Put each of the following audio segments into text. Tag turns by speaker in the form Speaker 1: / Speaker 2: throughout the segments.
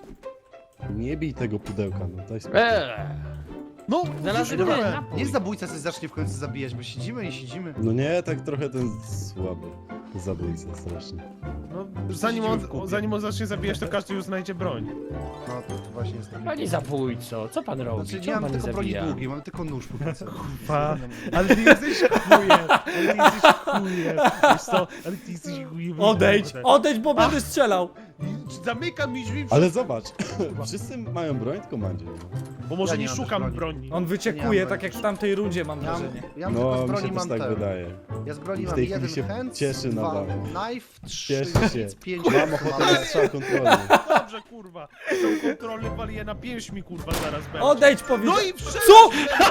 Speaker 1: Nie bij tego pudełka, no daj spokój.
Speaker 2: No,
Speaker 3: Znalazłem
Speaker 2: dobra.
Speaker 3: ten napój.
Speaker 4: Niech zabójca coś zacznie w końcu zabijać, bo siedzimy i siedzimy.
Speaker 1: No nie, tak trochę ten słaby zabójca strasznie.
Speaker 2: No,
Speaker 4: Siedzimy w kupie.
Speaker 2: zanim on zacznie zabijać, to każdy już znajdzie broń.
Speaker 4: No to właśnie jest taki...
Speaker 3: Panie zabójco, co pan robi?
Speaker 4: Znaczy, nie
Speaker 3: Czemu
Speaker 4: mam
Speaker 3: pan
Speaker 4: tylko broni
Speaker 3: zabija?
Speaker 4: długiej, mam tylko nóż po prostu.
Speaker 2: Pa, ale ty jesteś chujem, ale ty jesteś chujem. Wiesz co, ale ty jesteś chujem.
Speaker 5: Odejdź, bo będę strzelał.
Speaker 2: Zamykam mi drzwi,
Speaker 1: Ale zobacz, wszyscy mają broń, tylko Mandzie.
Speaker 2: bo może
Speaker 4: Ja nie
Speaker 2: nie
Speaker 4: mam
Speaker 2: szukam
Speaker 4: też
Speaker 2: broni.
Speaker 5: On
Speaker 4: Nie
Speaker 5: wyczekuje,
Speaker 4: mam
Speaker 5: tak jak w tamtej rundzie, mam
Speaker 4: Ja mam,
Speaker 5: wrażenie.
Speaker 4: ja mam tylko
Speaker 1: No,
Speaker 4: z
Speaker 1: mi
Speaker 4: broni
Speaker 1: się
Speaker 4: mam
Speaker 1: też tak
Speaker 4: ten.
Speaker 1: wydaje.
Speaker 4: Ja z broni
Speaker 1: W
Speaker 4: mam
Speaker 1: tej chwili
Speaker 4: jeden
Speaker 1: się
Speaker 4: hand,
Speaker 1: cieszy na
Speaker 4: dwa
Speaker 1: bank.
Speaker 4: knife, trzy
Speaker 1: Cieszy się.
Speaker 4: nic, pięć
Speaker 1: Mam ochotę na strzał kontrolny.
Speaker 2: Dobrze, kurwa. Tą kontrolę walię na pięść mi, zaraz będzie.
Speaker 5: Odejdź, powiedział.
Speaker 2: No i wszedł!
Speaker 5: Co?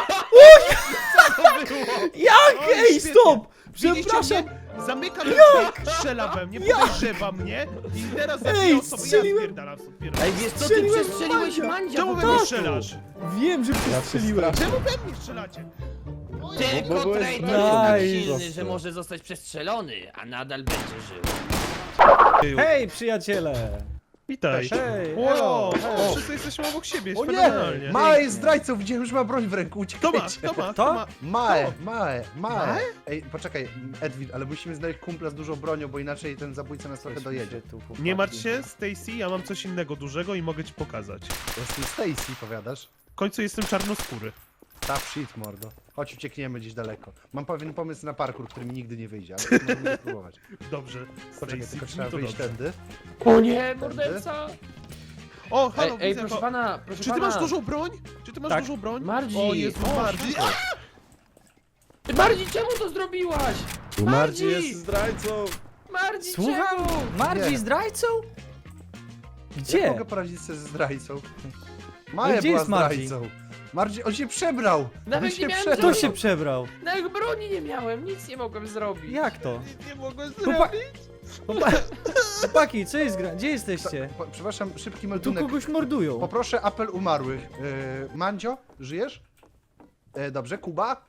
Speaker 2: Co to było?
Speaker 5: Jak?
Speaker 2: Oj,
Speaker 5: Ej,
Speaker 2: świetnie.
Speaker 5: stop!
Speaker 2: Widzicie
Speaker 5: Przepraszam.
Speaker 2: mnie? Zamykam drzwi, strzela we mnie, podejrzewa mnie i teraz zabija
Speaker 5: Ej,
Speaker 2: osoby, ja
Speaker 5: strzeliłem.
Speaker 2: spierdalam.
Speaker 3: Ej, wiesz co, ty
Speaker 5: Strzeliłem
Speaker 3: przestrzeliłeś
Speaker 5: Mandzia.
Speaker 3: Mandzia
Speaker 2: Czemu
Speaker 3: po
Speaker 2: we mnie
Speaker 3: prostu.
Speaker 2: strzelasz?
Speaker 5: Wiem, że przestrzeliłem.
Speaker 2: Czemu we mnie strzelacie?
Speaker 3: Tylko
Speaker 1: Bo byłeś
Speaker 3: traitor
Speaker 5: prawie
Speaker 3: jest tak
Speaker 5: nice.
Speaker 3: silny, że może zostać przestrzelony, a nadal będzie żył.
Speaker 5: Hej, przyjaciele!
Speaker 2: Witaj.
Speaker 5: Hej,
Speaker 2: Wow,
Speaker 5: hello, hello.
Speaker 2: wszyscy jesteśmy obok siebie,
Speaker 4: O nie!
Speaker 2: fenomenalnie.
Speaker 4: Mae jest zdrajcą, widziałem, że ma broń w ręku,
Speaker 2: To ma,
Speaker 4: uciekajcie.
Speaker 2: to ma,
Speaker 5: To?
Speaker 2: to ma.
Speaker 4: Mae. Ej, poczekaj, Edwin, ale musimy znaleźć kumpla z dużą bronią, bo inaczej ten zabójca nas trochę dojedzie.
Speaker 2: Nie martw się, Stacy, ja mam coś innego dużego i mogę ci pokazać.
Speaker 4: Jestem Stacy, powiadasz?
Speaker 2: W końcu jestem czarnoskóry.
Speaker 4: Tough shit, mordo. Chodź, uciekniemy gdzieś daleko. Mam pewien pomysł na parkour, który mi nigdy nie wyjdzie, ale możemy spróbować.
Speaker 2: Dobrze,
Speaker 4: Poczekaj,
Speaker 2: Stacy,
Speaker 4: tylko
Speaker 2: brzmi
Speaker 4: trzeba
Speaker 2: to
Speaker 4: wyjść
Speaker 2: dobrze.
Speaker 4: tędy.
Speaker 3: O nie, morderca!
Speaker 2: O, halo,
Speaker 3: Ej,
Speaker 2: widzę
Speaker 3: proszę
Speaker 2: go.
Speaker 3: pana, proszę
Speaker 2: Czy ty
Speaker 3: pana.
Speaker 2: masz dużą broń? Czy ty masz
Speaker 5: Tak.
Speaker 2: dużą broń?
Speaker 3: Marzi.
Speaker 2: O Jezu,
Speaker 3: O,
Speaker 2: Marzi.
Speaker 3: szybko. Ty Marzi, czemu to zrobiłaś?
Speaker 1: Bo
Speaker 3: Mardzi!
Speaker 1: Mardzi jest zdrajcą.
Speaker 3: Marzi,
Speaker 5: Słucham?
Speaker 3: czemu?
Speaker 5: Marzi
Speaker 4: Nie.
Speaker 5: zdrajcą?
Speaker 4: Jak
Speaker 5: Gdzie?
Speaker 4: mogę poradzić sobie ze zdrajcą? Maja
Speaker 5: gdzie
Speaker 4: była
Speaker 5: jest Marci?
Speaker 4: zdrajcą. Marci, on się przebrał!
Speaker 3: Nawet
Speaker 4: On
Speaker 3: nie
Speaker 4: się
Speaker 3: miałem
Speaker 4: przebrał!
Speaker 5: Kto się przebrał?
Speaker 3: Na jego broni nie miałem, nic nie mogłem zrobić.
Speaker 5: Jak to?
Speaker 2: Nie mogłem
Speaker 5: Chłopa- Chłopaki, co jest gra? Gdzie jesteście?
Speaker 4: Przepraszam, szybki
Speaker 5: Tu
Speaker 4: meldunek.
Speaker 5: kogoś mordują.
Speaker 4: Poproszę apel umarłych. Mandzio, żyjesz? Dobrze, Kuba?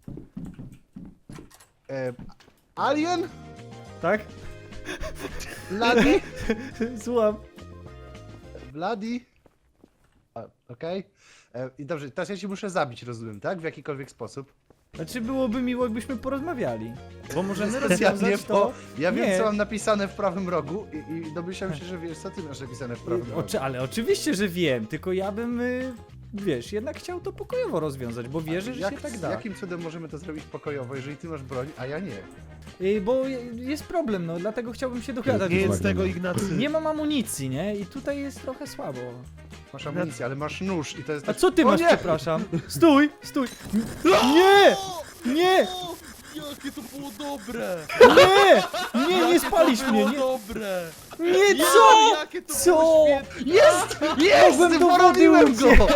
Speaker 4: Alien?
Speaker 5: Tak?
Speaker 4: Bloody?
Speaker 5: Słucham.
Speaker 4: Bloody? Okej. I dobrze, teraz ja cię muszę zabić, rozumiem, tak? W jakikolwiek sposób.
Speaker 5: Znaczy byłoby miło, jakbyśmy porozmawiali. Bo możemy
Speaker 4: Specjalnie,
Speaker 5: rozwiązać
Speaker 4: bo
Speaker 5: to...
Speaker 4: ja wiem,
Speaker 5: Nie.
Speaker 4: co mam napisane w prawym rogu i domyślam się, że wiesz, co ty masz napisane w prawym rogu.
Speaker 5: Ale oczywiście, że wiem, tylko ja bym, wiesz, jednak chciał to pokojowo rozwiązać, bo wierzę, że się tak da.
Speaker 4: Jakim cudem możemy to zrobić pokojowo, jeżeli ty masz broń, a ja nie?
Speaker 5: Bo jest problem, no, dlatego chciałbym się dogadać.
Speaker 2: Nie
Speaker 5: bo
Speaker 2: jest tego, Ignacy.
Speaker 5: nie mam amunicji, nie? I tutaj jest trochę słabo.
Speaker 4: Masz amunicję, ale masz nóż i to jest...
Speaker 5: A co ty
Speaker 4: O
Speaker 5: masz,
Speaker 4: nie!
Speaker 5: przepraszam? Stój, stój! Nie! Nie!
Speaker 2: Jakie to było dobre!
Speaker 5: Nie spalisz mnie, nie!
Speaker 2: dobre!
Speaker 5: Nie, co?
Speaker 2: Jakie to
Speaker 5: Co?
Speaker 2: było świetne!
Speaker 4: Jest!
Speaker 5: Mogłem do wody
Speaker 4: Poroniłem go!
Speaker 5: uciec!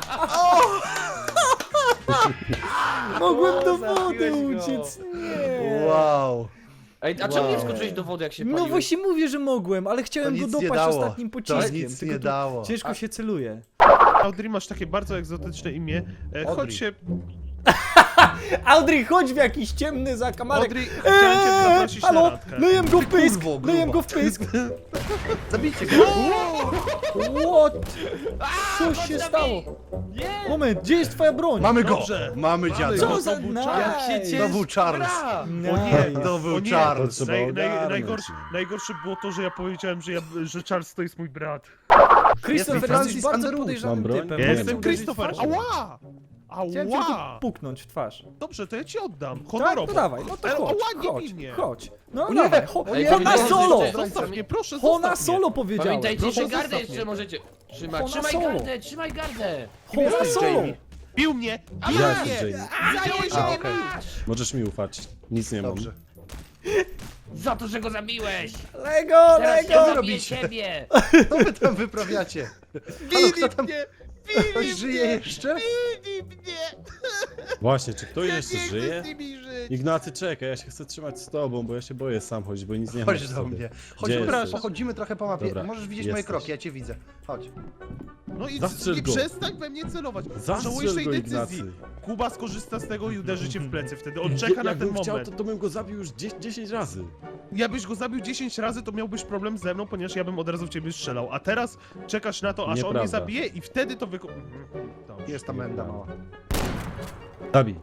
Speaker 5: Mogłem do wody
Speaker 3: zabiłeś go.
Speaker 5: uciec, nie!
Speaker 4: Wow.
Speaker 3: Ej, a czemu nie
Speaker 4: Wow.
Speaker 3: wskoczyłeś do wody, jak się
Speaker 5: No
Speaker 3: paliłeś?
Speaker 5: właśnie mówię, że mogłem, ale
Speaker 4: To
Speaker 5: chciałem go
Speaker 4: nic nie
Speaker 5: dopaść
Speaker 4: dało.
Speaker 5: ostatnim
Speaker 4: To
Speaker 5: pociskiem.
Speaker 4: nic
Speaker 5: tylko
Speaker 4: nie
Speaker 5: tu
Speaker 4: dało.
Speaker 5: Ciężko się celuje.
Speaker 2: Audrey, masz takie bardzo egzotyczne imię.
Speaker 4: Audrey.
Speaker 2: Chodź się...
Speaker 5: Audrey, chodź w jakiś ciemny zakamarek.
Speaker 2: Audrey, chciałem cię zaprosić na
Speaker 5: Halo,
Speaker 2: randkę.
Speaker 5: lejem go w pysk,
Speaker 4: kurwo, gruba.
Speaker 5: lejem go w pysk.
Speaker 4: Zabijcie go!
Speaker 5: What? Co
Speaker 3: chodź
Speaker 5: się
Speaker 3: na
Speaker 5: stało?
Speaker 3: mnie. Nie!
Speaker 5: Moment, gdzie jest twoja broń?
Speaker 4: Mamy go!
Speaker 2: Dobrze.
Speaker 4: Mamy dziada!
Speaker 5: Co
Speaker 2: go.
Speaker 5: za
Speaker 2: To był
Speaker 5: nice.
Speaker 2: czas.
Speaker 3: Jak się
Speaker 4: To był Charles!
Speaker 3: Bra!
Speaker 2: O nie,
Speaker 5: Nice.
Speaker 4: To był
Speaker 2: o nie.
Speaker 4: Charles!
Speaker 1: To trzeba ogarnąć.
Speaker 2: Najgorsze było to, że ja powiedziałem, że Charles to jest mój brat.
Speaker 5: Christopher,
Speaker 4: Jestem
Speaker 5: jesteś
Speaker 4: Francis
Speaker 5: bardzo
Speaker 4: Underwood.
Speaker 5: podejrzanym
Speaker 1: Mam broń?
Speaker 5: typem.
Speaker 1: Ja
Speaker 5: Mogę
Speaker 2: Jestem
Speaker 5: cię uderzyć w
Speaker 2: Christopher!
Speaker 5: twarz?
Speaker 2: Ała!
Speaker 5: Chciałem cię tylko
Speaker 2: Ała!
Speaker 5: puknąć w twarz.
Speaker 2: Dobrze, to ja ci oddam.
Speaker 5: Tak,
Speaker 2: Honorowo.
Speaker 5: no dawaj, no to
Speaker 2: Ale
Speaker 5: chodź,
Speaker 2: ała, nie
Speaker 5: chodź,
Speaker 2: bij mnie.
Speaker 5: chodź. No
Speaker 4: O nie,
Speaker 5: dawaj,
Speaker 4: o nie,
Speaker 5: Hona
Speaker 3: powiedziałem,
Speaker 5: solo!
Speaker 3: że-
Speaker 2: Zostaw mnie, proszę,
Speaker 5: Hona
Speaker 2: zostaw mnie.
Speaker 5: solo powiedziałem.
Speaker 3: Pamiętajcie,
Speaker 2: Proszę,
Speaker 3: że gardę
Speaker 2: zostaw
Speaker 3: jeszcze
Speaker 2: mnie.
Speaker 3: możecie trzymać.
Speaker 5: Hona
Speaker 3: Trzymaj
Speaker 5: solo.
Speaker 3: gardę, trzymaj gardę!
Speaker 5: Hona
Speaker 4: jesteś,
Speaker 5: solo!
Speaker 4: Jamie?
Speaker 2: Bił mnie!
Speaker 1: Ja
Speaker 2: Bił
Speaker 1: jestem
Speaker 2: mnie!
Speaker 1: Jamie.
Speaker 3: Zajął się
Speaker 4: A,
Speaker 3: nie
Speaker 4: okej.
Speaker 3: masz!
Speaker 1: Możesz mi ufać. Nic nie mam.
Speaker 4: Dobrze.
Speaker 3: Za to, że go zabiłeś!
Speaker 5: Lego,
Speaker 3: Teraz
Speaker 5: Lego!
Speaker 3: ja zabiję
Speaker 4: robicie?
Speaker 3: ciebie!
Speaker 4: Co wy tam wyprawiacie? Halo, kto tam...
Speaker 2: mnie!
Speaker 4: Ktoś żyje jeszcze?
Speaker 2: Bili mnie!
Speaker 1: Właśnie, czy ktoś
Speaker 2: Ja
Speaker 1: jeszcze
Speaker 2: nie chcę
Speaker 1: żyje?
Speaker 2: z nimi żyć.
Speaker 1: Ignacy, czekaj, ja się chcę trzymać z tobą, bo ja się boję sam chodzić, bo nic nie
Speaker 4: Chodź
Speaker 1: masz w
Speaker 4: do
Speaker 1: sobie.
Speaker 4: mnie.
Speaker 1: Gdzie
Speaker 4: Chodź,
Speaker 1: jesteś?
Speaker 4: pochodzimy trochę po mapie.
Speaker 1: Dobra,
Speaker 4: Możesz widzieć moje
Speaker 1: jesteś.
Speaker 4: kroki, ja cię widzę. Chodź.
Speaker 2: No i
Speaker 1: Zastrzel
Speaker 2: nie
Speaker 1: go.
Speaker 2: przestań we mnie celować.
Speaker 1: Zastrzel
Speaker 2: Żałujesz tej
Speaker 1: go,
Speaker 2: decyzji.
Speaker 1: Ignacy.
Speaker 2: Kuba skorzysta z tego i uderzy cię w plecy wtedy. On czeka na ten
Speaker 1: Jakbym chciał,
Speaker 2: moment.
Speaker 1: to bym go zabił już 10 razy.
Speaker 2: Jakbyś go zabił 10 razy, to miałbyś problem ze mną, ponieważ ja bym od razu w ciebie strzelał. A teraz czekasz na to, aż on mnie
Speaker 1: Nieprawda.
Speaker 2: zabije i wtedy to Dobrze.
Speaker 4: Jest ta menda mała.
Speaker 1: Zabij.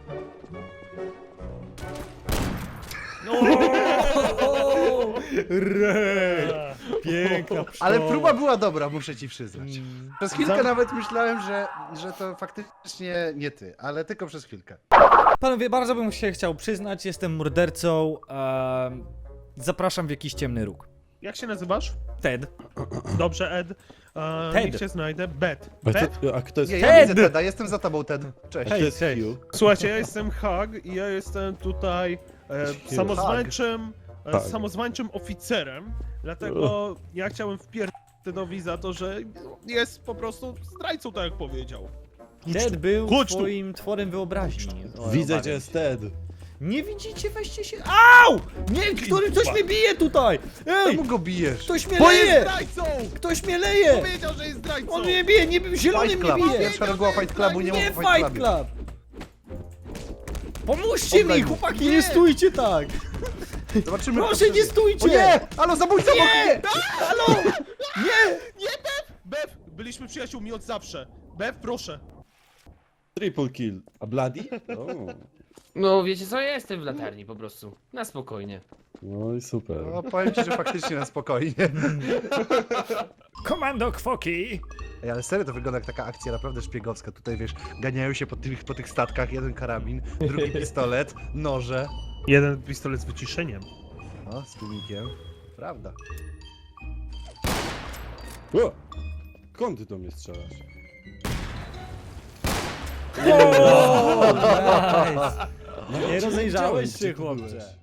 Speaker 5: Rej! Piękna pszczoła.
Speaker 4: Ale próba była dobra, muszę ci przyznać. Przez chwilkę
Speaker 2: Za-
Speaker 4: nawet myślałem, że to faktycznie nie ty, ale tylko przez chwilkę.
Speaker 5: Panowie, bardzo bym się chciał przyznać, jestem mordercą. Zapraszam w jakiś ciemny róg.
Speaker 2: Jak się nazywasz?
Speaker 5: Ted.
Speaker 2: Dobrze, Ed.
Speaker 5: Ted.
Speaker 2: Niech cię znajdę. Bet.
Speaker 1: A
Speaker 2: Bet?
Speaker 1: kto jest
Speaker 4: Nie,
Speaker 1: Ted?
Speaker 4: ja widzę Teda, jestem za tobą, Ted. Cześć.
Speaker 1: A kto jest Q?
Speaker 2: Słuchajcie, ja jestem Hag i ja jestem tutaj
Speaker 1: Hag.
Speaker 2: samozwańczym oficerem, dlatego ja chciałem wpierdolić Tedowi za to, że jest po prostu zdrajcą, tak jak powiedział.
Speaker 5: Ted był
Speaker 2: Chodź tu.
Speaker 5: twoim tworem wyobraźni.
Speaker 1: Widzę,
Speaker 5: Obawiam
Speaker 1: gdzie jest
Speaker 5: się.
Speaker 1: Ted.
Speaker 5: Nie widzicie, weźcie się. Au! Nie, ktoś mnie bije tutaj! Ej!
Speaker 4: Czemu go bijesz?
Speaker 5: Ktoś mnie
Speaker 2: Bo jest
Speaker 5: leje!
Speaker 2: zdrajcą!
Speaker 5: Ktoś mnie leje!
Speaker 2: Powiedział, że jest zdrajcą!
Speaker 5: On mnie bije, nie zielony
Speaker 4: Fight
Speaker 5: mnie
Speaker 4: Club.
Speaker 5: bije!
Speaker 4: Pierwsza reguła Fight Clubu, nie
Speaker 5: Nie
Speaker 4: mów o
Speaker 5: Fight
Speaker 4: Fight Clubie.
Speaker 5: Club! Pomóżcie
Speaker 4: Oddaj
Speaker 5: mi,
Speaker 4: mu.
Speaker 5: chłopaki,
Speaker 2: Nie.
Speaker 5: nie stójcie tak!
Speaker 4: Zobaczymy.
Speaker 5: Proszę,
Speaker 4: kto
Speaker 5: nie
Speaker 4: przeżyje.
Speaker 5: stójcie!
Speaker 4: O nie! Halo, zabójca obok
Speaker 5: Nie!
Speaker 4: mnie!
Speaker 5: Halo! Nie!
Speaker 2: Bev! Byliśmy przyjaciółmi od zawsze. Bev, proszę.
Speaker 1: Triple kill. A Bloody? O.
Speaker 3: No wiecie co, ja jestem w latarni po prostu. Na spokojnie.
Speaker 1: No i super.
Speaker 4: No, powiem ci, że faktycznie na spokojnie.
Speaker 5: Komando Kwoki!
Speaker 4: Ej, ale serio to wygląda jak taka akcja naprawdę szpiegowska. Tutaj wiesz, ganiają się po tych statkach, jeden karabin, drugi pistolet, noże.
Speaker 2: Jeden pistolet z wyciszeniem.
Speaker 4: No, z tłumikiem. Prawda.
Speaker 1: O! Skąd ty do mnie strzelasz?
Speaker 5: Nice. Nie rozejrzałeś
Speaker 1: Gdzie
Speaker 5: się,
Speaker 1: ty
Speaker 5: chłopcze.
Speaker 1: byłeś?